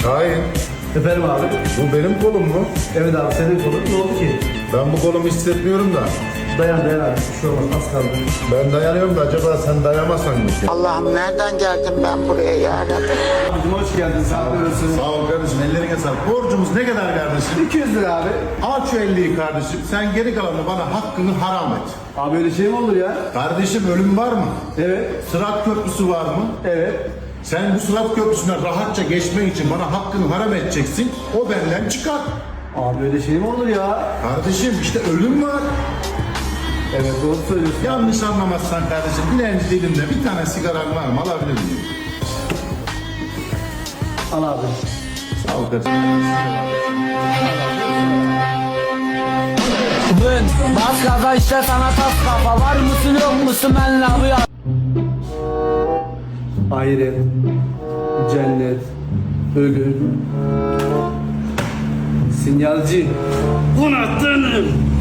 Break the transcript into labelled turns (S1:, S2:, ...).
S1: Şahin,
S2: Efendim abi?
S1: bu benim kolum mu?
S2: Evet abi senin kolun. Ne oldu ki?
S1: Ben bu kolumu hissetmiyorum da.
S2: Dayan abi. Bir şey olmaz. Az kaldı.
S1: Ben dayanıyorum da acaba sen dayanamazsan mı ki?
S3: Allah'ım nereden geldim ben buraya ya Rabbi?
S2: Abicim hoş geldin. Sağ olasın.
S1: Sağ ol kardeşim, ellerine sağlık. Borcumuz ne kadar kardeşim?
S2: 200 lira abi.
S1: Al şu 50'yi kardeşim. Sen geri kalanı bana hakkını haram et.
S2: Abi öyle şey mi olur ya?
S1: Kardeşim ölüm var mı?
S2: Evet.
S1: Sırat köprüsü var mı?
S2: Evet.
S1: Sen bu sırat köprüsüne rahatça geçmek için bana hakkını haram edeceksin. O benden çıkar.
S2: Abi öyle şey mi olur ya?
S1: Kardeşim işte ölüm var.
S2: Evet doğru söylüyorsun.
S1: Yanlış anlamazsan kardeşim dilenci dilimde bir tane sigaran var mı, alabilir miyim?
S2: Al abi.
S1: Sağ ol kardeşim.
S4: Bas gaza işte sana tas kafa. Var mısın yok musun benle bu ya?
S2: Ahiret, cennet, ölüm, sinyalci.
S4: Unuttun.